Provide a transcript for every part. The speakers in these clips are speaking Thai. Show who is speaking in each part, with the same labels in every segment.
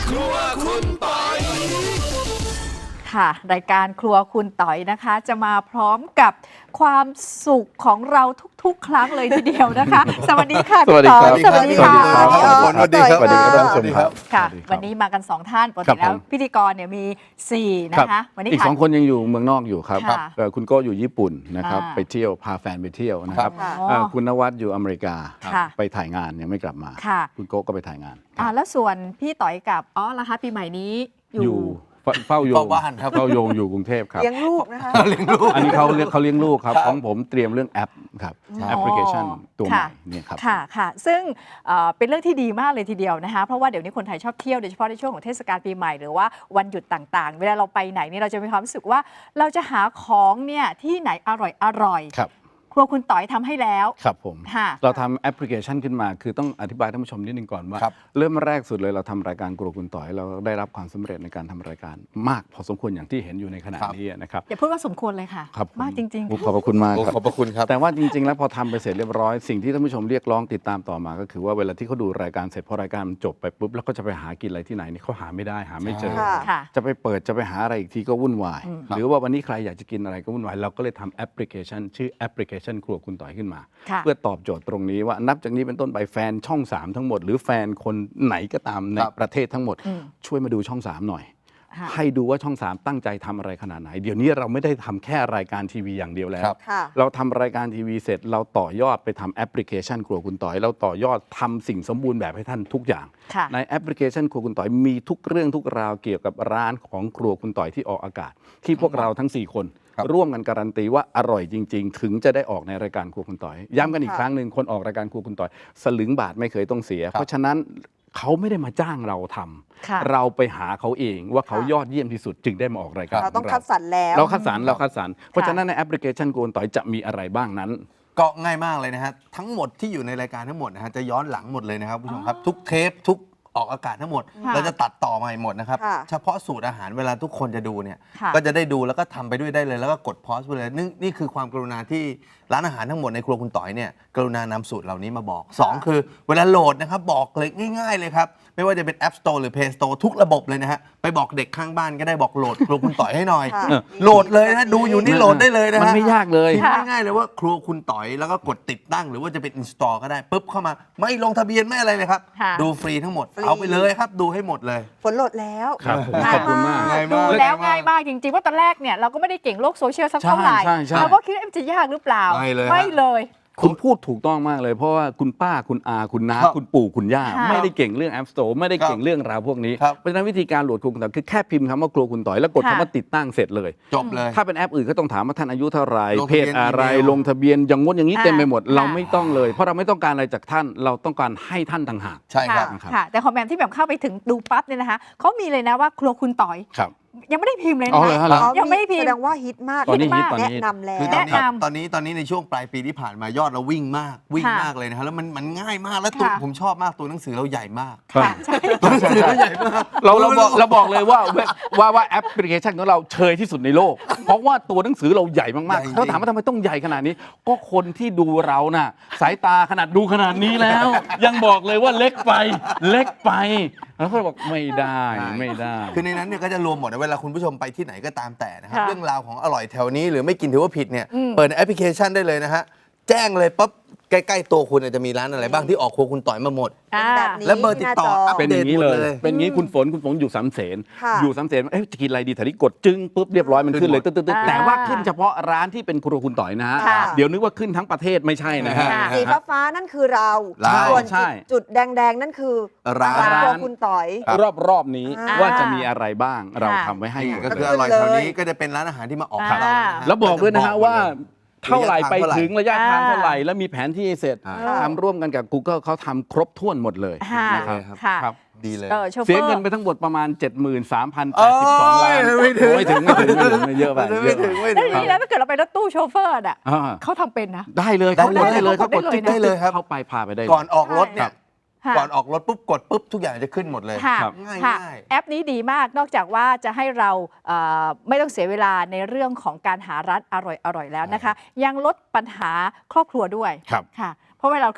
Speaker 1: ครัวคุณปอย
Speaker 2: ค่ะรายการครัวคุณต๋อยนะคะ จะมาพร้อมกับความสุขของเราทุกๆ ครั้งเลยทีเดียวนะคะ สวัสดีค่ะ
Speaker 3: สวัสดีครับ
Speaker 2: สวัสดีค่ะ
Speaker 3: สวัสดีครับ สวัสดีครับท่านผู้ชมครับ
Speaker 2: ค่ะ
Speaker 3: สวัสดีครับ
Speaker 2: วันนี้มากัน2ท่านปก
Speaker 3: ครั
Speaker 2: ติ
Speaker 3: บ
Speaker 2: แล้ว
Speaker 3: ผม
Speaker 2: พิธีกรเนี่ยมี4นะคะ วันนี้
Speaker 3: อีก
Speaker 2: ค่ะ
Speaker 3: 2 คนยังอยู่เมืองนอกอยู่ครับ
Speaker 2: ค่ะ
Speaker 3: คุณโก้อยู่ญี่ปุ่นนะครับ
Speaker 2: อ่า
Speaker 3: ไปเที่ยวพาแฟนไปเที่ยวนะครับ
Speaker 2: ค่ะ
Speaker 3: คุณนวัดอยู่อเมริกา
Speaker 2: ค่ะ
Speaker 3: ไปถ่ายงานยังไม่กลับมา
Speaker 2: ค่ะ
Speaker 3: คุณโก้ก็ไปถ่ายงาน
Speaker 2: แล้วส่วนพี่ต๋อยกับล่ะคะปีใหม่นี้อ
Speaker 3: อยู่ ยู่เฝ้าโยง
Speaker 1: เฝ้าบ้านครับ
Speaker 3: เฝ้าโยงอยู่กรุงเทพครับ
Speaker 4: เลี้ยงลูกนะคะ
Speaker 3: อันนี้เขาเลี้ยงลูกครับของผมเตรียมเรื่องแอปครับแอปพลิเคชันตัวใหม่
Speaker 2: ค่ะ
Speaker 3: เนี่ยครับ
Speaker 2: ค่ะค่ะ ซึ่งเป็นเรื่องที่ดีมากเลยทีเดียวนะคะ เพราะว่าเดี๋ยวนี้คนไทยชอบเที่ยวโดยเฉพาะในช่วงของเทศกาลปีใหม่หรือว่าวันหยุดต่างๆ เวลาเราไปไหนนี่เราจะมีความรู้สึกว่าเราจะหาของเนี่ยที่ไหนอร่อย
Speaker 3: ครับ
Speaker 2: ครัวคุณต๋อยทำให้แล้ว
Speaker 3: ครับผม
Speaker 2: ค่ะ
Speaker 3: เราทำแอปพลิเคชันขึ้นมาคือต้องอธิบายท่านผู้ชมนิดนึงก่อนว่า
Speaker 1: ครับ
Speaker 3: เริ่มแรกสุดเลยเราทำรายการครัวคุณต่อยเราได้รับความสำเร็จในการทำรายการมากพอสมควรอย่างที่เห็นอยู่ในขณะนี้นะครับ
Speaker 2: อย่าพูดว่าสมควรเลยค่ะ
Speaker 3: ครับผ
Speaker 2: มากจริง
Speaker 3: โอ้ขอบพระคุณมาก
Speaker 1: โอ้
Speaker 3: ครับ
Speaker 1: ขอบพระคุณครับ
Speaker 3: แต่ว่าจริงๆ แล้วพอทำไปเสร็จเรียบร้อยสิ่งที่ท่านผู้ชมเรียกร้องติดตามต่อมาก็คือว่าเวลาที่เขาดูรายการเสร็จพอรายการมันจบไปปุ๊บแล้วก็จะไปหากินอะไรที่ไหนนี่เขาหาไม่ได้หาไม่เจอ
Speaker 4: ค่ะ
Speaker 2: ค่ะ
Speaker 3: จะไปเปิดจะไปหาอะไรอีกทีก็วุ่นวาย หรือว่าวันนี้ใครอยากจะกินอะไรก็วุ่นวายเราก็เลยทำแอปพลิเคชันชื่อแอปพลิเคชันครัวคุณต่อยขึ้นมา
Speaker 2: ค่ะ
Speaker 3: เพื่อตอบโจทย์ตรงนี้ว่านับจากนี้เป็นต้นไปแฟนช่อง 3 ทั้งหมด หรือแฟนคนไหนก็ตามใน
Speaker 1: ครับ
Speaker 3: ประเทศทั้งหมด ช่วยมาดูช่อง 3 หน่อย
Speaker 2: ค่ะ
Speaker 3: ให้ดูว่าช่อง 3 ตั้งใจทำอะไรขนาดไหน เดี๋ยวนี้เราไม่ได้ทำแค่รายการทีวีอย่างเดียวแล้ว
Speaker 1: ครับ
Speaker 4: ค่ะ
Speaker 3: เราทำรายการทีวีเสร็จ เราต่อยอดไปทำแอปพลิเคชันครัวคุณต่อย เราต่อยอดทำสิ่งสมบูรณ์แบบให้ท่านทุกอย่าง
Speaker 2: ค่ะ
Speaker 3: ในแอปพลิเคชันครัวคุณต่อยมีทุกเรื่องทุกราวเกี่ยวกับร้านของครัวคุณต่อยที่ออกอากาศ ที่พวกเราทั้ง 4 คน
Speaker 1: ครับ
Speaker 3: ร่วมกันการันตีว่าอร่อยจริง ๆ ถึงจะได้ออกในรายการครัวคุณต่อย ย้ำกันอีก
Speaker 4: ค่ะ
Speaker 3: ครั้งหนึ่งคนออกรายการครัวคุณต่อย สลึงบาทไม่เคยต้องเสีย เพราะฉะนั้นเขาไม่ได้มาจ้างเราทำ
Speaker 2: ค่ะ
Speaker 3: เราไปหาเขาเองว่าเขายอดเยี่ยมที่สุดจึงได้มาออกรายการ
Speaker 4: เราต้อง
Speaker 3: ข
Speaker 4: คัดสรรแล้ว
Speaker 3: เราคัดสรรเพราะฉะนั้นในแอปพลิเคชันครัวคุณต่อยจะมีอะไรบ้างนั้น
Speaker 1: ก็ง่ายมากเลยนะฮะทั้งหมดที่อยู่ในรายการทั้งหมดนะฮะจะย้อนหลังหมดเลยนะครับผู้ชมครับ ทุกเทปทุกออกอากาศทั้งหมด
Speaker 2: ค่ะ
Speaker 1: เราจะตัดต่อมาให้หมดนะครับ
Speaker 4: ค่ะ
Speaker 1: เฉพาะสูตรอาหารเวลาทุกคนจะดูเนี่ย
Speaker 2: ค่ะ
Speaker 1: ก็จะได้ดูแล้วก็ทำไปด้วยได้เลยแล้วก็กดพอสไปเลยนี่คือความกรุณาที่ร้านอาหารทั้งหมดในครัวคุณต่อยเนี่ยกรุณานำสูตรเหล่านี้มาบอก 2 คือเวลาโหลดนะครับบอกเลยง่ายๆเลยครับไม่ว่าจะเป็น App Store หรือ Play Store ทุกระบบเลยนะฮะไปบอกเด็กข้างบ้านก็ได้บอกโหลดครัวคุณต่อยให้หน่อย
Speaker 4: ค่ะ
Speaker 1: โหลดเลยนะดูอยู่นี่โหลดได้เลยนะฮะ
Speaker 3: มันไม่ยากเลย
Speaker 1: พิมพ์ง่ายๆเลยว่าครัวคุณต่อยแล้วก็กดติดตั้งหรือว่าจะเป็น install ก็ได้ปุ๊บเข้ามาไม่ลงทะเบียนไม่อะไรเลยครับ
Speaker 2: ค่ะ
Speaker 1: ดูฟรีทั้งหมด
Speaker 4: ฟรี
Speaker 1: เอาไปเลยครับ ดูให้หมดเลย
Speaker 4: ฝนโหลดแล้ว
Speaker 3: ครับผม
Speaker 2: ค่ะ
Speaker 3: ขอบคุณมาก
Speaker 1: ง่าย
Speaker 2: ดู
Speaker 1: มาก
Speaker 2: แล้วง่ายมากจริงๆว่าตอนแรกเนี่ยเราก็ไม่ได้เก่งโลกโซเชียลสักเท่าไหร่
Speaker 3: ใช่ใช่
Speaker 2: เราก็คิดว่ามันจะยากหรือเปล่า
Speaker 1: ไม่เลยฮะ
Speaker 2: ไม่เลย
Speaker 3: คุณพูดถูกต้องมากเลย เพราะว่าคุณป้าคุณอาคุณน้า
Speaker 1: ครับ
Speaker 3: คุณปู่คุณย่า
Speaker 2: ค่ะ
Speaker 3: ไม่ได้เก่งเรื่อง App Store ไม่ได้เก่งเรื่องราวพวกนี้
Speaker 1: ครับ
Speaker 3: เพราะฉะนั้นวิธีการโหลดครัวคุณต่อยคือแค่พิมพ์คำว่าครัวคุณต่อยแล้วกด
Speaker 2: ค่ะ
Speaker 3: คำว่าติดตั้งเสร็จเลย
Speaker 1: จบเลย
Speaker 3: ถ้าเป็นแอปอื่นก็ต้องถามว่าท่านอายุเท่าไหร่
Speaker 1: ลง
Speaker 3: เพ
Speaker 1: ทะเบียน
Speaker 3: ศอะไร
Speaker 1: อีเมล
Speaker 3: ลงทะเบียนอย่างงดอย่างนี้
Speaker 2: อ่า
Speaker 3: เต็มไปหมด
Speaker 2: ค่ะ
Speaker 3: เราไม่ต้องเลย เพราะเราไม่ต้องการอะไรจากท่านเราต้องการให้ท่านต่างหาก
Speaker 1: ใช่ครับ
Speaker 3: ครับ
Speaker 2: ค่ะ แต่ของแบมที่แบบเข้าไปถึงดูปั๊บเนี่ยนะคะเขามีเลยนะว่าครัวคุณต๋อย
Speaker 3: ครับ
Speaker 2: ยังไม่ได้พิมพ์เลย
Speaker 3: อ๋
Speaker 2: นะ
Speaker 3: อเหรอ
Speaker 2: คะ
Speaker 3: ฮะ
Speaker 4: อ๋อ
Speaker 2: ยังไม่ได้พิมพ์
Speaker 4: แสดงว่าฮิตมาก
Speaker 3: ตอนนี้ฮิต
Speaker 4: แนะนำแล้ว
Speaker 1: คือ
Speaker 2: แนะนำ
Speaker 1: ตอนนี้ในช่วงปลายปีที่ผ่านมายอดเราวิ่งมากเลยนะฮะแล้วมันง่ายมากแล้วตัว
Speaker 2: ค่ะ
Speaker 1: ผมชอบมากตัวหนังสือเราใหญ่มาก
Speaker 2: ค่ะใช่
Speaker 1: ตัวหนังสือเราใหญ่มาก
Speaker 3: เราบอกเลยว่าแอปพลิเคชันของเราเชยที่สุดในโลก เพราะว่าตัวหนังสือเราใหญ่มาก
Speaker 1: ใหญ่จริ
Speaker 3: ๆ
Speaker 1: ง
Speaker 3: เขาถามว่าทำไมต้องใหญ่ขนาดนี้ ก็คนที่ดูเราน่ะสายตาขนาดดูขนาดนี้แล้ว ยังบอกเลยว่าเล็กไปแล้วเขาบอกไม่ได้ไม่ได้
Speaker 1: คือในนั้นเนี่ยก็จะรวมหมดนะเวลาคุณผู้ชมไปที่ไหนก็ตามแต่นะครับ
Speaker 2: ค่ะ
Speaker 1: เรื่องราวของอร่อยแถวนี้หรือไม่กินถือว่าผิดเนี่ย
Speaker 2: อืม
Speaker 1: เปิดในแอปพลิเคชันได้เลยนะฮะแจ้งเลยปั๊บใกล้ๆตัวคุณจะมีร้านอะไรบ้างที่ออกครัวคุณต่อยมาหมด
Speaker 2: อ่า
Speaker 4: แบบนี้
Speaker 1: และเบอร์ติดต่อ
Speaker 4: ที่หน้าจอ
Speaker 1: อัป
Speaker 3: เป็น
Speaker 1: เด
Speaker 3: อ
Speaker 1: ต
Speaker 3: ย่างนี้
Speaker 1: หมด
Speaker 3: เลย
Speaker 1: เลย
Speaker 3: เป็นอย่างนี้คุณฝนอยู่สามเสน
Speaker 4: ค่ะ
Speaker 3: อยู่สามเสนจะกินอะไรดีแถวนี้กดจึ้งปุ๊บเรียบร้อยมันขึ้นเลย
Speaker 1: ขึ้
Speaker 3: ตึ๊
Speaker 1: น
Speaker 3: ด
Speaker 1: หมด
Speaker 3: ๆแต่ว่าขึ้นเฉพาะร้านที่เป็นครัวคุณต่อยนะฮะ
Speaker 4: ค่ะ
Speaker 3: เดี๋ยวนึกว่าขึ้นทั้งประเทศไม่ใช่นะฮะ
Speaker 2: ค่ะ
Speaker 4: สีฟ้าๆนั่นคือเรา
Speaker 1: ใช่
Speaker 4: ส่วน
Speaker 3: ใช่
Speaker 4: จุดแดงๆ นั่นคือ
Speaker 1: ร้าน
Speaker 4: ครัวคุณต่อย
Speaker 3: รอบนี้
Speaker 4: อ่า
Speaker 3: ว่าจะมีอะไรบ้างเรา
Speaker 2: ค่ะ
Speaker 3: ทำไว้ให้หมด
Speaker 1: ก็
Speaker 3: เล
Speaker 1: คือย อร่อยแถวนี้ก็จะเป็นร้านอาหารที่มาออกของเรานะฮะ
Speaker 3: แล้วบอกด้วยนะฮะว่าเท่าไหร่ไปถึงระยะทาง
Speaker 2: อ่า
Speaker 3: เท่าไหร่แล้วมีแผนที่เสร็จ
Speaker 1: อ่า
Speaker 3: ทำร่วมกันกับ Google เขาทำครบถ้วนหมดเลย
Speaker 2: ค่ะ
Speaker 3: นะครับ
Speaker 2: ค่ะ
Speaker 3: ครับ
Speaker 1: ดีเลย
Speaker 2: โชเฟอร์
Speaker 3: เสียเงินไปทั้งหมดประมาณ 73,082
Speaker 1: โอ้
Speaker 3: ล้าย น
Speaker 1: ไม่ถึง
Speaker 3: ไม่ถึงไม่เยอะไป
Speaker 1: ไม่ถึงไม่
Speaker 2: แล้
Speaker 1: ถึ
Speaker 2: ว
Speaker 1: ง
Speaker 2: ทีนี้แล้วถ้าเกิดเราไปรถตู้โชเฟอร์อ่ะ
Speaker 3: อ่า
Speaker 2: เขาทำเป็นนะ
Speaker 3: ได้เลย
Speaker 1: ได้
Speaker 3: เขากดได้เลย
Speaker 2: เขา
Speaker 3: เขา
Speaker 2: ก
Speaker 3: ก
Speaker 2: ด
Speaker 3: ด
Speaker 2: ได้เลย
Speaker 1: ได้เลยครับ
Speaker 3: เข้าไปพาไปได้เลย
Speaker 1: ก่อนออกรถเนี่ย
Speaker 2: ค่ะ
Speaker 1: ก่อนออกรถปุ๊บกดปุ๊บทุกอย่างจะขึ้นหมดเลย
Speaker 2: ค่ะ
Speaker 3: ครับ
Speaker 1: ง่าย
Speaker 2: ค่ะ
Speaker 1: ง่าย
Speaker 2: แอปนี้ดีมากนอกจากว่าจะให้เราไม่ต้องเสียเวลาในเรื่องของการหาร้านอร่อยๆแล้วนะคะ ยังลดปัญหาครอบครัวด้วย
Speaker 3: ครับ
Speaker 2: ค่ะ เพราะเวลาเราขึ้นรถ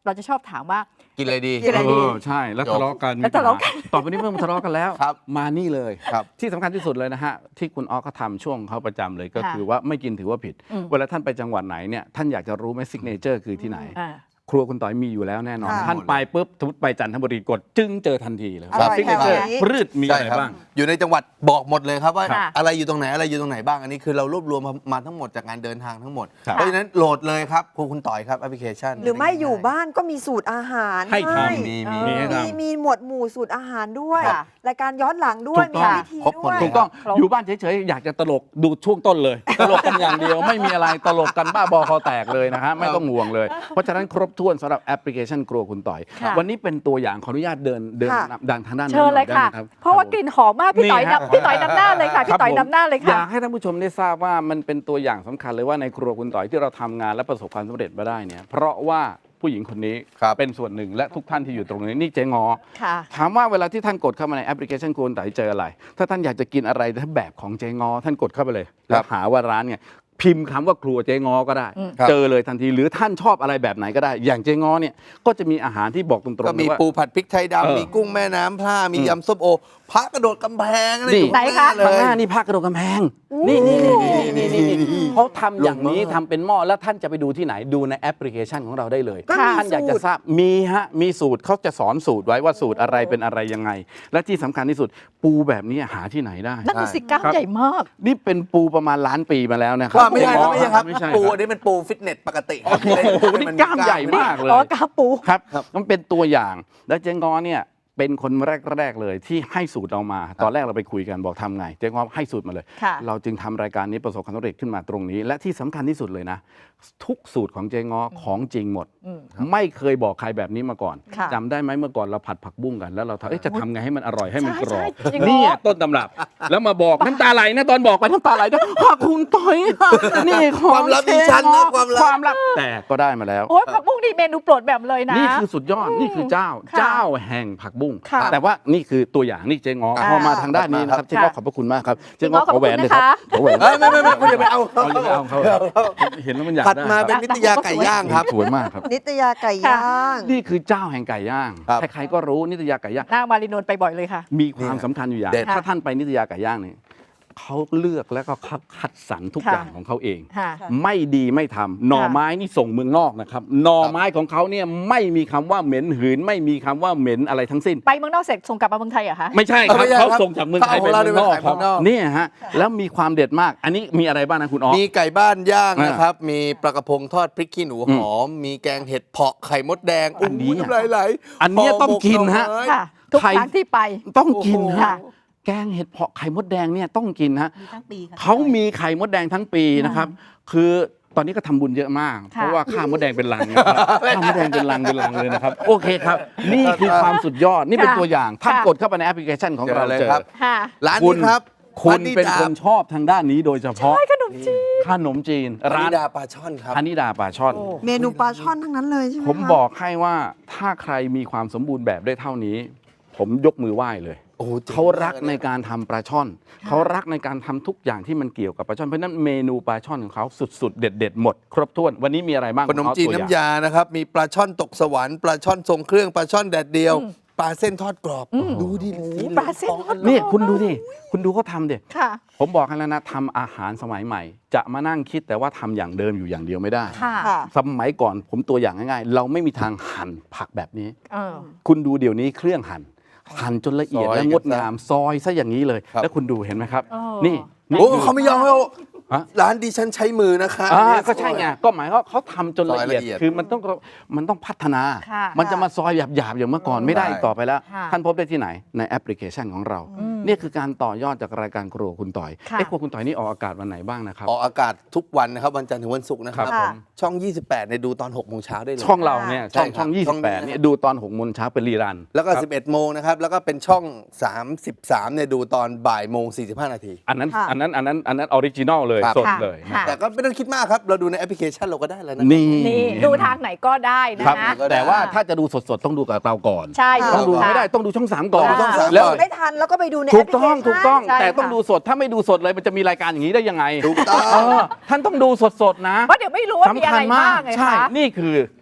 Speaker 2: เราจะชอบถามว่า
Speaker 1: กินอะไรดี
Speaker 2: กินอะไรดี
Speaker 3: ใช่แล้วทะเลาะกัน
Speaker 2: แล้วทะเลาะกัน
Speaker 3: ต่อไปนี้ไม่ต้องทะเลาะกันแล้ว
Speaker 1: ครับ
Speaker 3: มานี่เลย
Speaker 1: ครับ
Speaker 3: ที่สำคัญที่สุดเลยนะฮะที่คุณออฟเขาทำช่วงเขาประจำเลยก็
Speaker 2: ค่ะ
Speaker 3: คือว่าไม่กินถือว่าผิด
Speaker 2: อืม
Speaker 3: เวลาท่านไปจังหวัดไหนเนี่ยท่านอยากจะรู้ไหมซิกเนเจอร์คือที่ไหน
Speaker 2: อ่า
Speaker 3: ครัวคุณต่อยมีอยู่แล้วแน่นอน
Speaker 4: ค่ะ
Speaker 3: ท่านไปปุ๊บสมมติไปจันทบุรีกดจึ้งเจอทันทีเลย
Speaker 4: อร่อย
Speaker 3: ซิกเนเจอร์
Speaker 4: แถวนี้
Speaker 3: พืชมีอะไร
Speaker 1: ใช่ค
Speaker 3: บ้าง
Speaker 1: อยู่ในจังหวัดบอกหมดเลยครับว่า
Speaker 2: ค่ะ
Speaker 1: อะไรอยู่ตรงไหนอะไรอยู่ตรงไหนบ้างอันนี้คือเรารวบรวมมาทั้งหมดจากการเดินทางทั้งหมด
Speaker 3: ครับ
Speaker 1: เพราะฉะนั้นโหลดเลยครับครูคุณต่อยครับแอปพลิเคชัน
Speaker 4: หรือไม่อยู่บ้านก็มีสูตรอาหาร
Speaker 3: ให้ทำ
Speaker 1: มี
Speaker 3: มีให้ทำ
Speaker 4: มีหมวดหมู่สูตรอาหารด้วย
Speaker 2: ค่ะ
Speaker 4: รายการย้อนหลังด้วย
Speaker 3: ถูกต้อง
Speaker 4: มีวิธี
Speaker 1: ครบหม
Speaker 4: ด้
Speaker 1: ด
Speaker 4: วย
Speaker 1: เลย
Speaker 3: ถูกต้อง
Speaker 2: ครบ
Speaker 3: อยู่บ้านเฉยๆอยากจะตลกดูช่วงต้นเลย ตลกกันอย่างเดียวไม่มีอะไรตลกกันบ้าบอคอแตกเลยนะฮะไม่ต้องห่วงเลย เพราะฉะนั้นครบถ้วนสำหรับแอปพลิเคชันครัวคุณต่อย
Speaker 2: ค่ะ
Speaker 3: วันนี้เป็นตัวอย่างขออนุญาตเดิน
Speaker 4: ค่ะ
Speaker 3: ดังทางด้าน
Speaker 2: เชิญเลยค่ะ
Speaker 3: ได้ไหมรับ
Speaker 2: เพราะว่ากลิ่นหอมมากพี่ต่อย
Speaker 3: นี่ฮะ
Speaker 2: นำพี่ต่อยนำหน้าเลยค่ะ
Speaker 3: ค
Speaker 2: พี่
Speaker 3: รับ
Speaker 2: ต่อย
Speaker 3: ผม
Speaker 2: นำหน้าเลย
Speaker 3: อ
Speaker 2: ค่ะ
Speaker 3: ยากให้ท่านผู้ชมได้ทราบว่ามันเป็นตัวอย่างสำคัญเลยว่าในครัวคุณต่อยที่เราทำงานและประสบความสำเร็จมาได้เนี่ยเพราะว่าผู้หญิงคนนี้
Speaker 1: ครับ
Speaker 3: เป็นส่วนหนึ่งและทุกท่านที่อยู่ตรงนี้นี่เจ๊งอ
Speaker 2: ค่ะ
Speaker 3: ถามว่าเวลาที่ท่านกดเข้ามาในแอปพลิเคชันครัวคุณต่อยเจออะไร ถ้าท่านอยากจะกินอะไรถ้าแบบของเจ๊งอท่านกดเข้าไปเลยแล้วหาว่าร้านเนี่ยพิมพ์คำว่าครัวเจ๊งอก็ได้
Speaker 1: ครับ
Speaker 3: เจอเลยทันทีหรือท่านชอบอะไรแบบไหนก็ได้ อย่างเจ๊งอเนี่ยก็จะมีอาหารที่บอกตรงๆ
Speaker 1: ก็มี
Speaker 3: เลยว่า
Speaker 1: ปูผัดพริกไทย
Speaker 3: เออ
Speaker 1: ดำมีกุ้งแม่น้ำพร่ามียำส้มโอพระกระโดดกำแพงอะไร
Speaker 3: นี่
Speaker 1: อยู่
Speaker 2: ไหนคะ
Speaker 1: เล
Speaker 3: ข้าง
Speaker 1: ย
Speaker 3: หน้านี่ภาคกระโดดกำแพงนี่เขาทำอย่างนี้ทำเป็นหม้อแล้วท่านจะไปดูที่ไหนดูในแอปพลิเคชันของเราได้เลย
Speaker 4: ก็มี
Speaker 3: ท่านอยากจะ
Speaker 4: สูตร
Speaker 3: ทราบมีฮะมีสูตรเขาจะสอนสูตรไว้ว่าสูตรอะไรเป็นอะไรยังไง และที่สำคัญที่สุดปูแบบนี้หาที่ไหนได้
Speaker 2: นั่นคือสิกล้าม
Speaker 3: ครับ
Speaker 2: ใหญ่มาก
Speaker 3: นี่เป็นปูประมาณล้านปีมาแล้วนะครั
Speaker 1: ว่าไม่ใช่ครับไม่ใช่ครับ
Speaker 3: ไม่ใช่
Speaker 1: ปู
Speaker 3: ค
Speaker 1: อั
Speaker 3: รับ
Speaker 1: นนี้เป็นปูฟิตเนสปกติ
Speaker 3: โอ้โหนี่กล้ามใหญ่มากเลย
Speaker 2: อ๋อกาปู
Speaker 3: ครับมันเป็นตัวอย่างและเจ๊งอเนี่ยเป็นคนแรก ๆ เลยที่ให้สูตรเรามา ตอนแรกเราไปคุยกันบอกทำไง เจ๊งอให้สูตรมาเลย
Speaker 2: ค่ะ
Speaker 3: เราจึงทำรายการนี้ประสบความสำเร็จขึ้นมาตรงนี้ และที่สำคัญที่สุดเลยนะ ทุกสูตรของเจ๊งอของจริงหมด
Speaker 2: อืม
Speaker 3: ไม่เคยบอกใครแบบนี้มาก่อน
Speaker 2: ค่ะ
Speaker 3: จำได้ไหมเมื่อก่อนเราผัดผักบุ้งกันแล้วเราจะทำไงให้มันอร่อยให้มันกรอบ
Speaker 2: ใช่ใช่จริงเหรอ
Speaker 3: เนี่ยต้นตำรับ แล้วมาบอกน้ำตาไหลนะตอนบอกไปน้ำตาไหลนะขอบคุณต่อยนี่ของ
Speaker 1: ความลับดิฉันนะความลับ
Speaker 3: แต่ก็ได้มาแล้ว
Speaker 2: โอ้ยผักบุ้งนี่เมนูโปรดแบบเลยนะ
Speaker 3: นี่คือสุดยอด นี่คือเจ้า
Speaker 2: ค่ะ
Speaker 3: เจ้าแห่งผักบุ้ง
Speaker 2: ค่ะ
Speaker 3: แต่ว่านี่คือตัวอย่างนี่เจ๊งอ
Speaker 2: ค่ะ
Speaker 3: พอมาทางด้านนี้นะครับ
Speaker 1: ค่ะ
Speaker 3: เจ๊งอขอบพระคุณมากครับ เจ๊งอ
Speaker 2: ขอบ
Speaker 3: ขอแหวน
Speaker 2: คุณ
Speaker 3: เลยครับ
Speaker 2: นะคะ
Speaker 3: ขอแหวน
Speaker 1: ไม่คุณอย่าไปเอา
Speaker 3: เอาอย่าไปเอาเขาเห็นแล้วมันอยาก
Speaker 1: ถัด
Speaker 3: ได้
Speaker 1: มาเป็นนิตยาไก่ย่างครับ
Speaker 3: สวยมากครับ
Speaker 4: นิตยาไก่ย่าง
Speaker 3: นี่คือเจ้าแห่งไก่ย่าง
Speaker 1: ครับ
Speaker 3: ใครๆก็รู้นิตยาไก่ย่าง
Speaker 2: หน้ามารินนท์ไปบ่อยเลยค่ะ
Speaker 3: มีความสำคัญอยู่อย่าง
Speaker 1: เด็ด
Speaker 3: ถ้าท่านไปนิตยาไก่ย่างเนี่ยเขาเลือกแล้วก็คัดสรรทุก
Speaker 2: ค่ะ
Speaker 3: อย่างของเขาเอง
Speaker 2: ค่ะ
Speaker 3: ไม่ดีไม่ทำหน่อไม้นี่ส่งเมืองนอกนะครับหน่อไม้ของเขาเนี่ยไม่มีคำว่าเหม็นหืน ไม่มีคำว่าเหม็นอะไรทั้งสิ้น
Speaker 2: ไปเมืองนอกเสร็จส่งกลับมาเมืองไทยเหรอคะ
Speaker 3: ไม่ใช่ครับ
Speaker 1: ไม่ใช่
Speaker 3: เขา
Speaker 1: ครับ
Speaker 3: ส่งจากเมืองไทยไป
Speaker 1: เขาเอา
Speaker 3: เมืองนอก
Speaker 1: เราไปขาย
Speaker 3: ครับ
Speaker 1: เมืองนอก
Speaker 3: เนี่ยฮะแล้วมีความเด็ดมาก อันนี้มีอะไรบ้างนะคุณอ๋อ
Speaker 1: มีไก่บ้านย่าง
Speaker 3: อ่าน
Speaker 1: นะครับ มีปลากระพงทอดพริกขี้หนูหอม มีแกงเห็ดเผาะไข่มดแดง
Speaker 3: อันนี้
Speaker 1: ยำลายไหล
Speaker 3: อันเนี้ยต้องกินฮะ
Speaker 1: ห่อหมกหน่อไม้
Speaker 2: ค่ะ ทุก
Speaker 3: ไข่
Speaker 2: ครั้งที่ไป
Speaker 3: ต้องกิน
Speaker 1: โอ้โห
Speaker 3: ฮะแกงเห็ดเผาะไข่มดแดงเนี่ยต้องกินฮะ
Speaker 5: มีทั้งปีค่ะ
Speaker 3: เขามีไข่มดแดงทั้งปีนะครับ คือตอนนี้ก็ทำบุญเยอะมาก
Speaker 2: ค่ะ
Speaker 3: เพราะว่าข้าวมดแดงเป็นลังนะครับข้าวมดแดงเป็นลังเลยนะครับ โอเคครับ นี่คือความสุดยอด นี่เป็นตัวอย่าง ท่านกดเข้าไปในแอปพลิเคชันของเรา
Speaker 1: เจอเลย
Speaker 3: เจอ
Speaker 1: ครับ
Speaker 2: ค่ะ
Speaker 1: ร้าน
Speaker 3: คุ
Speaker 1: นี้
Speaker 3: ณ
Speaker 1: ครับ
Speaker 3: คุณ
Speaker 1: วา
Speaker 3: เป็น
Speaker 1: ดา
Speaker 3: คนชอบทางด้านนี้โดยเฉพาะ
Speaker 2: ขนมจีน
Speaker 3: ขนมจีน
Speaker 1: วา
Speaker 3: ร้าน
Speaker 1: นิดาปลาช่อนครับ
Speaker 3: พนิดาปลาช่อน
Speaker 2: โอ้
Speaker 4: เมนูปลาช่อนทั้งนั้นเลยใช่ไหม
Speaker 3: ผม
Speaker 4: คะ
Speaker 3: บอกให้ว่าถ้าใครมีความสมบูรณ์แบบได้เท่านี้ ผมยกมือไหว้เลย
Speaker 1: โอ้โหจ๋ง
Speaker 3: เขารัก
Speaker 1: มลย
Speaker 3: ในการทำปลาช่อน เขารักในการทำทุกอย่างที่มันเกี่ยวกับปลาช่อน เพราะฉะนั้นเมนูปลาช่อนของเขาสุดๆ เด็ดๆ หมด ครบถ้วน วันนี้มีอะไรบ้าง
Speaker 1: ขนมจีน
Speaker 3: ขอตัวอย่ง
Speaker 1: น้ำยานะครับ มีปลาช่อนตกสวรรค์ปลาช่อนทรงเครื่องปลาช่อนแดดเดียว ปลาเส้นทอดกรอบ ดูดิสีหลือง
Speaker 2: ปลาเส้นทอดกรอบ
Speaker 3: นี่คุณดูดิคุณดูเขาทำดิ
Speaker 2: ค่ะ
Speaker 3: ผมบอกให้แล้วนะทำอาหารสมัยใหม่ จะมานั่งคิดแต่ว่าทำอย่างเดิมอยู่อย่างเดียวไม่ได้
Speaker 2: ค่ะ
Speaker 4: ค่ะ
Speaker 3: สมัยก่อนผมตัวอย่างง่ายๆ เราไม่มีทางหั่นผักแบบนี้
Speaker 2: เออ
Speaker 3: คุณดูเดี๋ยวนี้เครื่องหั่นจนละเอียด
Speaker 1: ซอย
Speaker 3: และงดงามซอยซะอย่างนี้เลย
Speaker 1: ครับ
Speaker 3: แล้วคุณดูเห็นไหมครับ
Speaker 2: เออ
Speaker 3: นี่นี่
Speaker 1: โอ้
Speaker 3: คือ
Speaker 1: เขาไม่ยอมให้เอา
Speaker 3: ฮะ
Speaker 1: ร้านดิฉันใช้มือนะคะ
Speaker 3: ก็ใช่ไงก็หมายว่าเขาทำจนละเอียด
Speaker 1: ซอยละเอียด
Speaker 3: คือมันต้องพัฒนา
Speaker 2: ค่ะ
Speaker 3: มันจะมาซอยหยาบๆอย่างเมื่อก่อนไม่ได้อีกต่อไปแล้ว
Speaker 2: ค่ะ
Speaker 3: ท่านพบได้ที่ไหนในแอปพลิเคชันของเรานี่คือการต่อยอดจากรายการครัวคุณต่อย
Speaker 2: ค่ะ
Speaker 3: ครัวคุณต่อยนี่ออกอากาศวันไหนบ้างนะครับ
Speaker 1: ออกอากาศทุกวันนะครับ วันจันทร์ถึงวันศุกร์นะครับ
Speaker 3: ครับผม
Speaker 1: ช่อง 28เนี่ยดูตอน6โมงเช้าได้เลย
Speaker 3: ช่องเราเนี่ย
Speaker 1: ใช่
Speaker 3: ช่อง
Speaker 1: ครับช่องนี้
Speaker 3: 28เนี่ยดูตอน6โมงเช้าเป็นรีรัน
Speaker 1: แล้วก็
Speaker 3: ครับ
Speaker 1: 11โมงนะครับ แล้วก็เป็นช่อง 33เนี่ยดูตอนบ่ายโมง45นาที
Speaker 3: อันนั้น
Speaker 4: ค่ะ
Speaker 3: ออริจินอลเลย
Speaker 1: ครับ
Speaker 3: สด
Speaker 2: ค่ะ
Speaker 3: เลยนะ
Speaker 2: ค่ะ
Speaker 1: แต่ก็ไม่ต้องคิดมากครับ เราดูในแอปพลิเคชันเราก็ได้แล้วนะ
Speaker 3: นี่
Speaker 2: นี่ดูทางไหนก็ได้นะครับ
Speaker 1: ก็ได้
Speaker 3: แต่ว่าถ้าจะดูสดๆต้องดูกับเราก่อน
Speaker 2: ใช่
Speaker 3: ต้องดู
Speaker 2: ค่ะ
Speaker 3: ไม่ได้ต้องดูช่อง 3 ก่อน
Speaker 1: ต้องดูช่องสาม
Speaker 3: แล้ว
Speaker 1: ก่อน
Speaker 4: ไม่ทันแล้วก็ไปดูใน
Speaker 3: ถู
Speaker 4: แอก ปพลิ
Speaker 3: ต้
Speaker 4: เค
Speaker 3: อง
Speaker 4: ชัน
Speaker 3: ถูกต้อง
Speaker 2: ใช่
Speaker 3: แต่ต้อง
Speaker 2: ค่ะ
Speaker 3: ดูสดถ้าไม่ดูสดเลยมันจะมีรายการอย่างนี้ได้ยังไง
Speaker 1: ถูกต้อง
Speaker 3: ท่านต้องดูสดๆนะ
Speaker 2: เพราะเดี๋ยวไม่รู้ว่ามี
Speaker 3: สำ
Speaker 2: อะ
Speaker 3: คั
Speaker 2: ไร
Speaker 3: ญมา
Speaker 2: บ้าก งไง
Speaker 3: ใช่
Speaker 2: คะ
Speaker 3: นี่คือ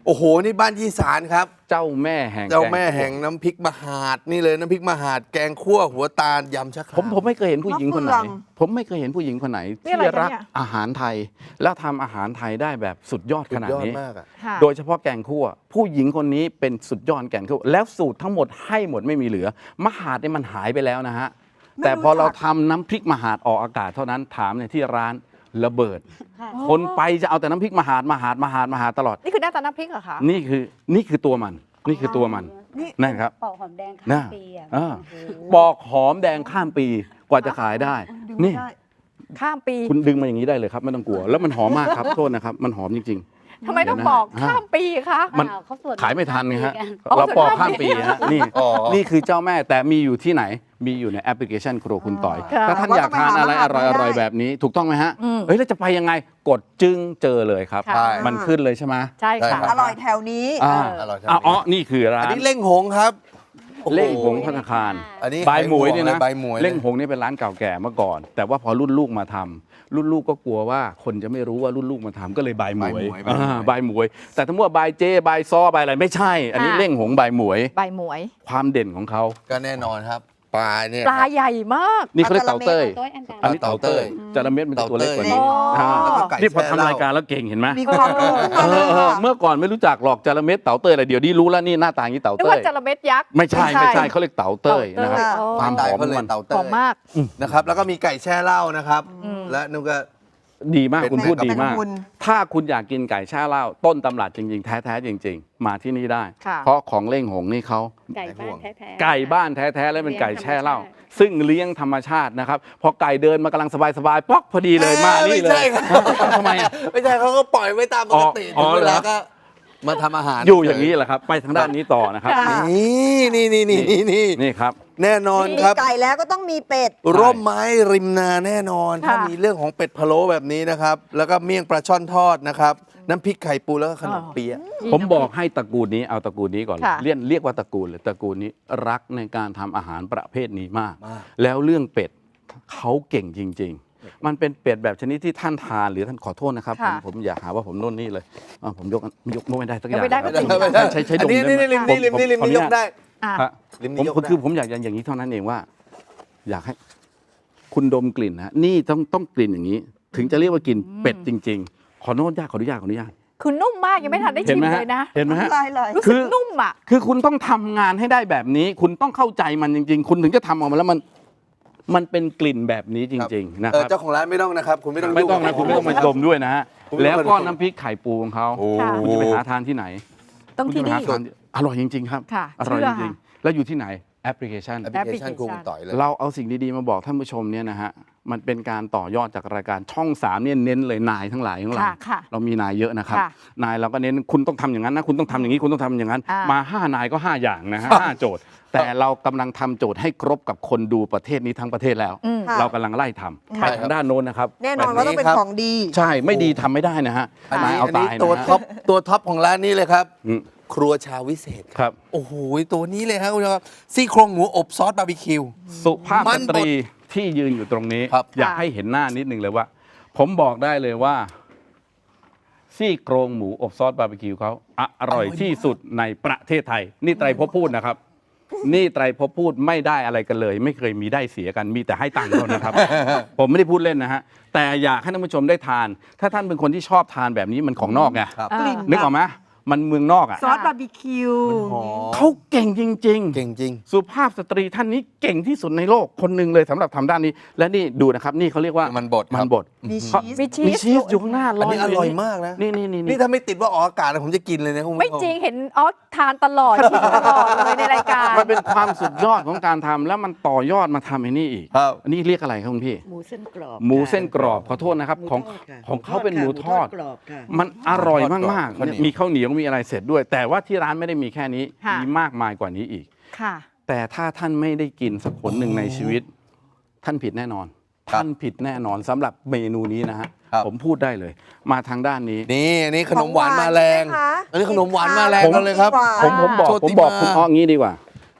Speaker 1: โอ้โห นี่บ้านยี่สารครับ
Speaker 3: เจ้าแม่แห่ง
Speaker 1: เจ้าแม่แห่งน้ำพริกมหาดนี่เลยน้ำพริกมหาดแกงคั่วหัวตาลยำชะคราม
Speaker 3: ผมไม่เคยเห็นผู้หญิงคนไหน
Speaker 4: มะเฟือง
Speaker 3: ผมไม่เคยเห็นผู้หญิงคนไหน
Speaker 2: นี่
Speaker 3: ที่
Speaker 2: อะไรคะ
Speaker 3: รัก
Speaker 2: เนี่ย
Speaker 3: อาหารไทย แล้วทำอาหารไทยได้แบบสุดยอดขนาด
Speaker 1: สุดยอด
Speaker 3: นี้
Speaker 1: มากอะ
Speaker 2: ค่ะ
Speaker 3: โดยเฉพาะแกงคั่ว ผู้หญิงคนนี้เป็นสุดยอดแกงคั่วแล้วสูตรทั้งหมดให้หมดไม่มีเหลือมหาดเนี่ยมันหายไปแล้วนะฮะ
Speaker 4: ไม่
Speaker 3: แต่พอ
Speaker 4: รู้จัก
Speaker 3: เราทำน้ำพริกมหาดออกอากาศเท่านั้นถามเนี่ยที่ร้านระเบิด คนไปจะเอาแต่น้ำพริกมหาดตลอด
Speaker 2: นี่คือหน้าตาน้ำพริกเหรอคะ
Speaker 3: นี่คือตัวมันนี่คือตัวมัน
Speaker 4: นี่
Speaker 3: นั่นครับ
Speaker 5: ปอกหอมแดงข้า
Speaker 3: น่ะ
Speaker 5: มปีอ่ะ
Speaker 3: อ่า
Speaker 5: โอ้โห
Speaker 3: ปอกหอมแดงข้ามปีกว่าจะขายได้
Speaker 4: ดึงไม่
Speaker 3: นี่
Speaker 4: ได้
Speaker 2: ข้ามปี
Speaker 3: คุณดึงมาอย่างนี้ได้เลยครับไม่ต้องกลัว แล้วมันหอมมากครับ โทษนะครับ มันหอมจริง
Speaker 2: ทำไมต้อง
Speaker 3: เดี๋ยวนะ
Speaker 2: บอกข้ามปีคะ
Speaker 3: มัน
Speaker 5: อ้าวเขาสวด
Speaker 3: ๆ ขายไม่ทันไงฮะ
Speaker 5: กัน
Speaker 2: อ๋อ
Speaker 3: เราปอก
Speaker 2: ส่วน
Speaker 3: ข้าม
Speaker 2: ข้ามปี
Speaker 3: ปีฮะนี่
Speaker 1: อ๋อ
Speaker 3: นี่คือเจ้าแม่แต่มีอยู่ที่ไหน มีอยู่ในแอปพลิเคชันครัวคุณต่อย
Speaker 2: ค่ะ
Speaker 3: ถ้าท่านอยากทานอะไรอร่อยๆแบบนี้ ถูกต้องไหมฮะ
Speaker 2: อืม
Speaker 3: เฮ้ยแล้วจะไปยังไงกดจึงเจอเลยครับ
Speaker 2: ค่ะ
Speaker 1: ใช่
Speaker 3: มันขึ้นเลยใช่ไหม
Speaker 2: ใช่ค่ะ
Speaker 1: ได้ค
Speaker 4: อบ ร่อยแถวนี้
Speaker 3: อ่า
Speaker 1: อร่อยจัง
Speaker 3: อ๋อนี่คือร้า
Speaker 1: อัน
Speaker 3: น
Speaker 1: นี้เล่งหงครับโอ้โ
Speaker 3: เล่งหงพัฒนาคาร
Speaker 1: อันนี้
Speaker 3: บายหมวยเนี่ยนะ
Speaker 1: ใบหมวย
Speaker 3: เล่งหงนี่เป็นร้านเก่าแก่เมื่อก่อน แต่ว่าพอรุ่นลูกมาทำรุ่นลูกก็กลัวว่าคนจะไม่รู้ว่ารุ่นลูกมาทำก็เลยบายหมวยบายหมวย แต่ทั้งหมดบายเจบายซอบายอะไรไม่ใช่ อันนี้
Speaker 2: อ่า
Speaker 3: เล่งหงบายหมวย
Speaker 2: ใบหมวย
Speaker 3: ความเด่นของเขา
Speaker 1: ก็แน่นอนครับปลาเนี่ย
Speaker 2: ปลาใหญ่มาก
Speaker 3: นี่เขาเรียกเต่าเต้ย
Speaker 5: โต้ยอันกลาง
Speaker 3: อันนี้เต่าเต้ยจระเม็ดมันจะตัวเล็กกว่านี้
Speaker 2: เต่าเต้ย
Speaker 3: อ่า
Speaker 1: แล้วก็ไก่
Speaker 3: นี่พอ
Speaker 1: แช่
Speaker 3: ทำ
Speaker 1: เหล้
Speaker 3: รายการแล้วเก่งเห็นไหม
Speaker 4: มีความรู้ขึ้นมาเลย
Speaker 3: เออ
Speaker 4: ค่ะ
Speaker 3: เมื่อก่อนไม่รู้จักหรอกจระเม็ดเต่าเต้ยอะไรเดี๋ยวนี้รู้แล้วนี่หน้าตาอย่างนี้เต่า
Speaker 2: นึก
Speaker 3: เต้
Speaker 2: ว่าย จระเม็ดยักษ์
Speaker 3: ไม่ใช่เขาเรียกเต่าเต้ยนะครับ
Speaker 2: เต่าเต้ย
Speaker 3: ความห
Speaker 1: ตาย
Speaker 3: อม
Speaker 1: เขาเลย
Speaker 3: มัน
Speaker 1: เต่า
Speaker 2: ห
Speaker 1: เต้
Speaker 2: อมมาก
Speaker 1: นะครับ แล้วก็มีไก่แช่เหล้านะครับ
Speaker 2: อืม
Speaker 1: และนุ่นก็
Speaker 3: ดีมาก
Speaker 1: เป็น
Speaker 3: คุณพูดดี
Speaker 4: เป็น
Speaker 3: มาก
Speaker 4: คุณ
Speaker 3: ถ้าคุณอยากกินไก่แช่เหล้าต้นตำรับจริงๆ แท้ๆจริง ๆ มาที่นี่ได้
Speaker 2: ค่ะ
Speaker 3: เพราะของเล่งหงนี่เขา
Speaker 5: ไก่บ้านแท้ๆ
Speaker 3: ไก่บ้านแท้ๆและเป็นไก่แช่เหล้า
Speaker 5: เลี้ยงธรรมชาติ
Speaker 3: ซึ่งเลี้ยงธรรมชาตินะครับพอไก่เดินมากำลังสบายๆป๊อกพอดีเลยมานี่เล
Speaker 1: ไม่ใช่
Speaker 3: ย
Speaker 1: ครับ
Speaker 3: ทำไมอ่ะ
Speaker 1: ไม่ใช่เขาก็ปล่อยไว้ตามปกติ
Speaker 3: อ๋อ
Speaker 1: ถึงเวลา
Speaker 3: เหรอ
Speaker 1: ก็มาทำอาหาร
Speaker 3: อยู่อย่างนี้แหละครับ ไปทางด้านนี้ต่อนะครับ
Speaker 2: ค่ะ
Speaker 3: นี่ครับ
Speaker 1: แน่นอน
Speaker 4: มี
Speaker 1: ครับ
Speaker 4: ไก่แล้วก็ต้องมีเป็ด
Speaker 1: ร่มไม้ริมนาแน่นอน
Speaker 2: ค่ะ
Speaker 1: ถ้ามีเรื่องของเป็ดพะโล้แบบนี้นะครับ แล้วก็เมี่ยงปลาช่อนทอดนะครับ น้ำพริกไข่ปูแล้วก็ขนมเปี๊ยะ
Speaker 3: ผมบอกให้ตระกูลนี้เอาตระกูลนี้ก่อน
Speaker 2: ค่ะ
Speaker 3: เรียกว่าตระกูลเลยตระกูลนี้รักในการทำอาหารประเภทนี้มาก
Speaker 1: มาก
Speaker 3: แล้วเรื่องเป็ดเขาเก่งจริง ๆ มันเป็นเป็ดแบบชนิดที่ท่านทานหรือท่านขอโทษนะครับ
Speaker 2: ค่ะ
Speaker 3: ผมอย่าหาว่าผมโน่นนี่เลยผมยกไม่ได้สักอย่าง
Speaker 2: ยกไม่ได้
Speaker 3: ครับ
Speaker 2: ไม่ได้
Speaker 3: ใช้ด
Speaker 1: อัน
Speaker 3: ม
Speaker 1: นี้
Speaker 3: ได้ไหม
Speaker 1: นี่ริมนี่ริมนี่ริม
Speaker 3: ผม
Speaker 1: นี่ยกได้
Speaker 2: อ่ะ
Speaker 3: ฮะ
Speaker 1: ริม
Speaker 3: ผม
Speaker 1: นี้ยกได้
Speaker 3: คือผมอยากอย่างนี้เท่านั้นเองว่า อยากให้คุณดมกลิ่นนะนี่ต้องกลิ่นอย่างนี้ ถึงจะเรียกว่ากินเป็ดจริง ๆ ขออนุญาต
Speaker 2: คือนุ่มมากยังไม่ทันได้
Speaker 3: เห็น
Speaker 2: ชิม
Speaker 3: ไหม
Speaker 2: เล
Speaker 3: ฮะ
Speaker 2: ยนะ
Speaker 3: เห็นไหมฮะ
Speaker 4: ลายเลย
Speaker 2: รู้
Speaker 3: คื
Speaker 2: สึก
Speaker 3: อ
Speaker 2: นุ่มอ่ะ
Speaker 3: คือคุณต้องทำงานให้ได้แบบนี้ คุณต้องเข้าใจมันจริง ๆ คุณถึงจะทำออกมาแล้วมันเป็นกลิ่นแบบนี้จริง ๆ นะค
Speaker 1: เออ
Speaker 3: รับ
Speaker 1: เจ้าของร้านไม่ต้องนะครับ คุณไม่ต้อง
Speaker 3: ไม่ต้อง
Speaker 1: ยุ่
Speaker 3: นะคุณไม่ต้องมาดมด้วยนะฮะ
Speaker 1: คุณไม่
Speaker 3: แล้ว
Speaker 1: ต้อง
Speaker 3: ก็
Speaker 1: มาดม
Speaker 3: น้ำพริกไข่ปูของเขา
Speaker 1: โอ้
Speaker 2: ค่ะ
Speaker 3: คุณจะไปหาทานที่ไหน
Speaker 2: ต้องที่
Speaker 3: คุณจะไป
Speaker 2: นี่
Speaker 3: หาทานอร่อยจริง ๆ ครับ
Speaker 2: ค่ะ
Speaker 3: อร่อย
Speaker 2: เชื่
Speaker 3: จ
Speaker 2: อ
Speaker 3: ริงๆแล้วอยู่ที่ไหนแอปพลิเคชัน
Speaker 1: แอปพลิเคชันครูต่อยเลย
Speaker 3: เราเอาสิ่งดีๆมาบอกท่านผู้ชมเนี่ยนะฮะ มันเป็นการต่อยอดจากรายการช่อง3เนี่ยเน้นเลยนายทั้งหลายของเรา
Speaker 2: ค่ะค่ะ
Speaker 3: เรามีนายเยอะนะครับ
Speaker 2: ค่ะ
Speaker 3: นายเราก็เน้นคุณต้องทำอย่างนั้นนะคุณต้องทำอย่างนี้คุณต้องทำอย่างนั้น
Speaker 2: อ่าม
Speaker 3: มา5นายก็5อย่างนะฮะ5โจทย์ แต่เรากำลังทำโจทย์ให้ครบกับคนดูประเทศนี้ทั้งประเทศแล้ว
Speaker 2: อืม
Speaker 4: ค่ะ
Speaker 3: เรากำลังไล่ทำไปทางด้านโน้นนะครับ
Speaker 4: แน่นอนว่าต้องเป็นของดี
Speaker 3: ใช่ไม่ดีทำไม่ได้นะฮะ
Speaker 1: อัน
Speaker 3: นาย
Speaker 1: นี้
Speaker 3: เอา
Speaker 1: อัน
Speaker 3: ตา
Speaker 1: นี้
Speaker 3: ย
Speaker 1: ตัว
Speaker 3: นะ
Speaker 1: ท็อปตัวท็อปของร้านนี้เลยครับ
Speaker 3: อืม
Speaker 1: ครัวชาววิเศษ
Speaker 3: ครับ
Speaker 1: โอ้โหตัวนี้เลยครับคุณผู้ชมครับซี่โครงหมูอบซอสบาร์บีคิว
Speaker 3: สุภาพ
Speaker 1: มั
Speaker 3: ส
Speaker 1: น
Speaker 3: ตรีที่ยืนอยู่ตรงนี้
Speaker 1: ครับ
Speaker 3: อยากให้เห็นหน้านิดนึงเลยว่า ผมบอกได้เลยว่า ซี่โครงหมูอบซอสบาร์บีคิวเขาอร่อยที่สุดในประเทศไทย นี่ไตรภพพูดนะครับ นี่ไตรภพพูดไม่ได้อะไรกันเลย ไม่เคยมีได้เสียกันมีแต่ให้ตังค์เท่านั้นครับ ผมไม่ได้พูดเล่นนะฮะแต่อยากให้ท่านผู้ชมได้ทาน ถ้าท่านเป็นคนที่ชอบทานแบบนี้มันของนอกไง
Speaker 1: ครับ
Speaker 2: อ่า
Speaker 4: กลิ่น
Speaker 3: นึกออกไหมมันเมืองนอกอ่ะ
Speaker 4: ซอสบาร์บีคิว
Speaker 1: หอม
Speaker 3: เขาเก่งจริง ๆ
Speaker 1: เก่งจริง
Speaker 3: สุภาพสตรีท่านนี้เก่งที่สุดในโลกคนหนึ่งเลยสำหรับทำด้านนี้ และนี่ดูนะครับ นี่เขาเรียกว่า
Speaker 1: มันบดครับ
Speaker 3: มันบด
Speaker 4: มี
Speaker 3: เขา
Speaker 4: ชีส
Speaker 2: มีชี
Speaker 3: มี
Speaker 2: ส
Speaker 3: ชีสอยู่ข้างหน้าล
Speaker 1: อัน
Speaker 3: อย
Speaker 1: นี้อร่อยมากนะ
Speaker 3: นี่
Speaker 1: นี่ถ้าไม่ติดว่าออกอากาศนะผมจะกินเลยนะคุณผู้ชม
Speaker 2: ไม่จริงเห็นออสทานตลอดชิมตลอดเลยในรายการ
Speaker 3: มันเป็นความสุดยอดของการทำแล้วมันต่อยอดมาทำไอ้นี่อีก
Speaker 1: ครับ
Speaker 3: อันนี้เรียกอะไรครับคุณพี่
Speaker 5: หมูเส้นกรอบ
Speaker 3: หมูเส้นกรอบขอโทษนะครับ
Speaker 5: หมู
Speaker 3: ของ
Speaker 5: ทดค่ะ
Speaker 3: ของเขาเป็นหมูทอด
Speaker 5: กรอบค่ะ
Speaker 3: มันอร่อยมาก
Speaker 1: ข้าวเหนียว
Speaker 3: ๆมีข้าวเหนียวมีอะไรเสร็จด้วย แต่ว่าที่ร้านไม่ได้มีแค่นี้
Speaker 2: ค่ะ
Speaker 3: มีมากมายกว่านี้อีก
Speaker 2: ค่ะ
Speaker 3: แต่ถ้าท่านไม่ได้กินสักผลหนึ่งในชีวิต ท่านผิดแน่นอน
Speaker 1: ครับ
Speaker 3: ท่านผิดแน่นอนสำหรับเมนูนี้นะฮะ
Speaker 1: ครับ
Speaker 3: ผมพูดได้เลย มาทางด้านนี้
Speaker 1: นี่อันนี้ขนมหวานมาแรง
Speaker 4: ของหวานใช่ไหมคะ
Speaker 1: อันนี้ขนมหวานมาแรง
Speaker 3: ผม
Speaker 1: กันเลยครับ
Speaker 4: หวาน
Speaker 3: ผมบอก
Speaker 1: โชติ
Speaker 3: ผมบอก
Speaker 1: มา
Speaker 3: คุณอ้องี้ดีกว่า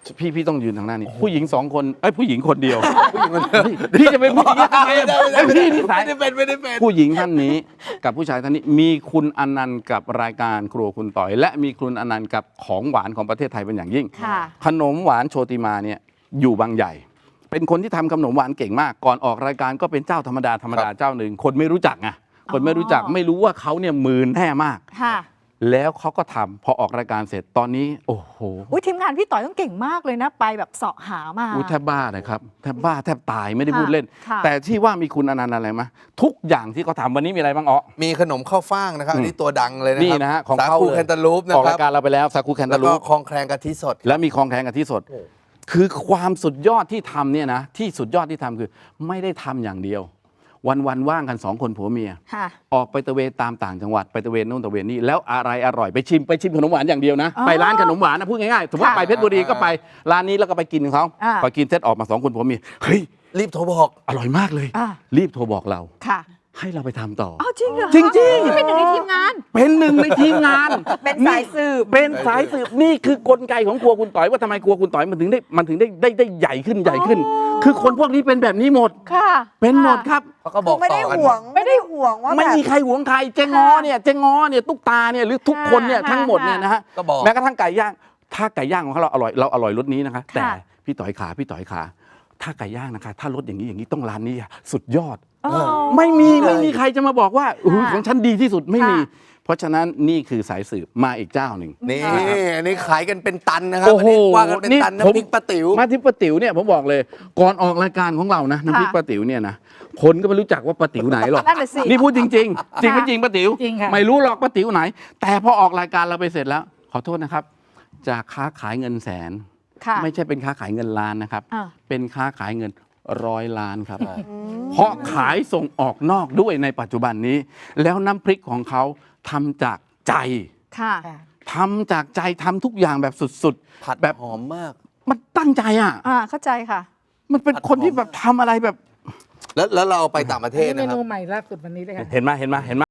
Speaker 3: พี่ต้องยืนทางหน้านี้ผู้หญิง2 คนผู้หญิงคนเดียวพี่จะเป็นผู้หญิงทำไมพี่นิสัย
Speaker 1: ไม่ได้เป็น
Speaker 3: ผู้หญิงท่านนี้กับผู้ชายท่านนี้มีคุณอนันต์กับรายการครัวคุณต่อย และมีคุณอนันต์กับของหวานของประเทศไทยเป็นอย่างยิ่ง
Speaker 2: ค่ะ
Speaker 3: ขนมหวานโชติมาเนี่ยอยู่บางใหญ่ เป็นคนที่ทำขนมหวานเก่งมาก ก่อนออกรายการก็เป็นเจ้าธรรมดาเจ้าหนึ่งคนไม่รู้จักไงคนไม่รู้จักไม่รู้ว่าเขาเนี่ยมือแน่มาก
Speaker 2: ค่ะ
Speaker 3: แล้วเขาก็ทำพอออกรายการเสร็จตอนนี้โอ้โห
Speaker 2: อุ้ยทีมงานพี่ต่อยต้องเก่งมากเลยนะ ไปแบบเสาะหามา
Speaker 3: แทบบ้านะครับแทบบ้าแทบตายไม่ได้
Speaker 2: ค่ะ
Speaker 3: พูดเล่น
Speaker 2: ค่ะ
Speaker 3: แต่ที่ว่ามีคุณอนันต์อะไรมะทุกอย่างที่เขาทำวันนี้มีอะไรบ้างอ๋อ
Speaker 1: มีขนมข้าวฟ่างนะครับอันนี้ตัวดังเลยนะ
Speaker 3: นี่
Speaker 1: ครับ
Speaker 3: นะฮะของ
Speaker 1: สา
Speaker 3: เขา
Speaker 1: คู
Speaker 3: เลย
Speaker 1: แคนตาลูปนะ
Speaker 3: ออก
Speaker 1: ค
Speaker 3: รา
Speaker 1: รั
Speaker 3: ยการเราไปแล้วซากุแคน
Speaker 1: แล้
Speaker 3: ตาว ลู
Speaker 1: ก็
Speaker 3: ป
Speaker 1: คลองแคลงกะทิสด
Speaker 3: และมีคลองแคลงกะทิสด คือความสุดยอดที่ทำเนี่ยนะที่สุดยอดที่ทำคือไม่ได้ทำอย่างเดียว วันว่างกัน2 คนผัวเมีย
Speaker 2: ค่ะ
Speaker 3: ออกไปตะเวนตามต่างจังหวัดไปตะเวนนู่นตะเวนนี่แล้วอะไรอร่อยไปชิมขนมหวานอย่างเดียวนะ
Speaker 2: อ๋อ
Speaker 3: ไปร้านขนมหวานนะพูดง่ายๆสมมติ
Speaker 2: ค่ะ
Speaker 3: ไปเพชรบุรีก็ไปร้านนี้แล้วก็ไปกินของเขา
Speaker 2: อ่า
Speaker 3: พอกินเสร็จออกมา2 คนผัวเมียเฮ้ย
Speaker 1: รีบโทรบอก
Speaker 3: อร่อยมากเลย
Speaker 2: อ่า
Speaker 3: รีบโทรบอกเรา
Speaker 2: ค่ะ
Speaker 3: ให้เราไปทำต่อ
Speaker 2: อ้าวจริงเหรอ
Speaker 3: จริงๆ
Speaker 2: เป็นหนึ่งในทีมงาน
Speaker 3: เป็นหนึ่งในทีมงาน
Speaker 4: เป็นสายสืบ
Speaker 3: เป็นสายสืบนี่คือกลไกของครัวคุณต่อยว่าทำไมครัวคุณต่อยมันถึงได้ใหญ่ขึ้นใหญ่ขึ้น คือคนพวกนี้เป็นแบบนี้หมด
Speaker 2: ค่ะ
Speaker 3: เป็นหมดครับ
Speaker 1: เขาก็บอก
Speaker 4: ไม่
Speaker 1: ต่
Speaker 4: ได้
Speaker 1: อกัน
Speaker 4: ห่วงไม่ได้ห่วงว่า
Speaker 3: ไม่
Speaker 4: แบบ
Speaker 3: มีใครหวงใครเจงอเนี่ยตุ๊กตาเนี่ยหรือทุกคนเนี่ย
Speaker 2: ค่ะ
Speaker 3: ทั้งหมดเนี่ยนะฮะ
Speaker 1: ก็บอก
Speaker 3: แม้กระทั่งไก่ย่างถ้าไก่ย่างของเราอร่อยรสนี้นะคะ
Speaker 2: ค่ะ
Speaker 3: แต่พี่ต่อยขาถ้าไก่ย่างนะคะถ้ารสอย่างนี้ต้องร้านนี้อะสุดยอด
Speaker 2: อ๋อ
Speaker 3: ไม่มี
Speaker 1: เลย
Speaker 3: ไม่มีใครจะมาบอกว่าอุ๊ย
Speaker 2: ค่ะ
Speaker 3: ของฉันดีที่สุดไม่มี
Speaker 2: ค่ะ
Speaker 3: เพราะฉะนั้นนี่คือสายสืบมาอีกเจ้าหนึ่ง
Speaker 1: นี่อันนี้ขายกันเป็นตันนะครับ
Speaker 3: โอ้โห
Speaker 1: อันนี้ว่ากันเป็นตัน
Speaker 3: นี่ผม
Speaker 1: น้ำพริกป้าติ๋ว
Speaker 3: มาที่ป้าติ๋วเนี่ยผมบอกเลยก่อนออกรายการของเรานะน้ำพริก
Speaker 2: ค่ะ
Speaker 3: ป้าติ๋วเนี่ยนะคนก็ไม่รู้จักว่าป้าติ๋วไหนหรอก
Speaker 2: นั่นน่ะสิ
Speaker 3: นี่พูดจริง ๆ จริงไม่จริงป้าติ๋ว
Speaker 2: จริงค่ะ
Speaker 3: ไม่รู้หรอกป้าติ๋วไหน แต่พอออกรายการเราไปเสร็จแล้ว ขอโทษนะครับ จากค้าขายเงินแสน
Speaker 2: ค่ะ
Speaker 3: ไม่ใช่เป็นค้าขายเงินล้านนะครับ
Speaker 2: อ่า
Speaker 3: เป็นค้าขายเงิน100 ล้านครับ เพราะขายส่งออกนอกด้วยในปัจจุบันนี้ แล้วน้ำพริกของเขาทำจากใจ
Speaker 2: ค่ะ
Speaker 3: ทำจากใจทำทุกอย่างแบบสุด
Speaker 1: ผัด
Speaker 3: ๆ แบบ
Speaker 1: หอมมาก
Speaker 3: มันตั้งใจอ่ะ
Speaker 2: เข้าใจค่ะ
Speaker 3: มันเป็นคนที่แบบทำอะไรแบบ
Speaker 1: แล้วเราเอาไปต่างประเทศ
Speaker 6: เม
Speaker 1: นะครั
Speaker 6: นู
Speaker 1: บ
Speaker 6: ใหม่ล่าสุดวันนี้เลยค่ะ
Speaker 3: เห็นไหม